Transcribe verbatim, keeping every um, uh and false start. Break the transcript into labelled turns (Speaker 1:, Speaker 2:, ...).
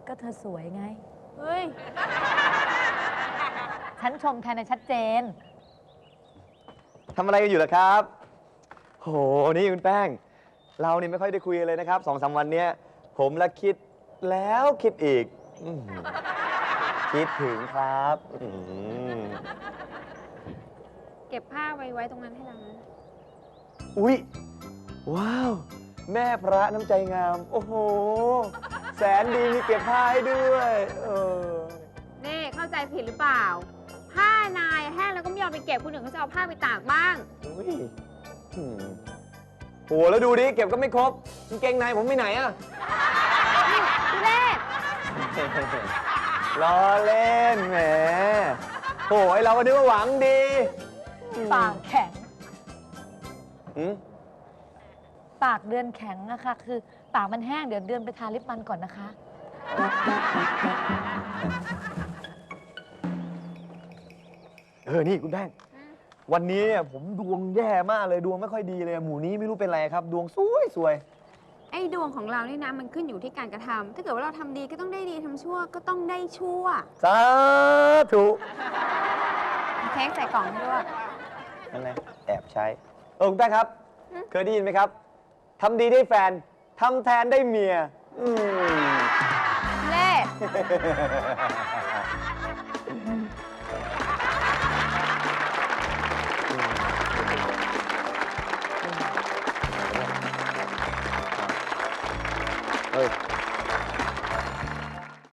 Speaker 1: ก็เธอสวยไง
Speaker 2: เฮ้ย
Speaker 1: ฉันชมแทนในชัดเจน
Speaker 3: ทำอะไรกันอยู่ล่ะครับโหนี่คุณแป้ง เรานี่ไม่ค่อยได้คุยกันเลยนะครับสองสามวันเนี้ยผมละคิดแล้วคิดอีกอื้อหือคิดถึงครับอื้อหือ
Speaker 2: เก็บผ้าไว้ไว้ตรงนั้นให้เรานะ
Speaker 3: อุ๊ย ว้าว แม่พระน้ำใจงาม โอ้โห แสนดีมีเก็บผ้าให้ด้วยเออ
Speaker 2: นี่เข้าใจผิดหรือเปล่า ผ้านายแห้งแล้วก็ไม่ยอมไปเก็บคนอื่นเขาจะเอาผ้าไปตากบ้าง
Speaker 3: อุ๊ยอืมโหแล้วดูดิ เก็บก็ไม่ครบกางเกงในผมไปไหนอะ
Speaker 2: นี่ทุเรศ
Speaker 3: ล้อเล่นแหมโหไอเราก็นึกว่าหวังดี
Speaker 1: ปากแข็ง
Speaker 3: อืม
Speaker 1: ปากเดือนแข็งนะคะคือปากมันแห้งเดี๋ยวเดือนไปทาลิปมันก่อนนะคะ
Speaker 3: เออ นี่คุณแป้ง วันนี้เนี่ยผมดวงแย่มากเลยดวงไม่ค่อยดีเลย หมู่นี้ไม่รู้เป็นไรครับ ดวงซวยซวย
Speaker 2: ไอ้ดวงของเรานี่นะมันขึ้นอยู่ที่การกระทำถ้าเกิดว่าเราทำดีก็ต้องได้ดีทำชั่วก็ต้องได้ชั่ว
Speaker 3: สาธุ
Speaker 2: เค้กใส่กล่องให้ด้วย
Speaker 3: ยังไงแอบใช้ เออคุณแป้งครับ
Speaker 2: อืม
Speaker 3: เคยได้ยินไหมครับทำดีได้แฟนทำแทนได้เมีย อืม
Speaker 2: เล่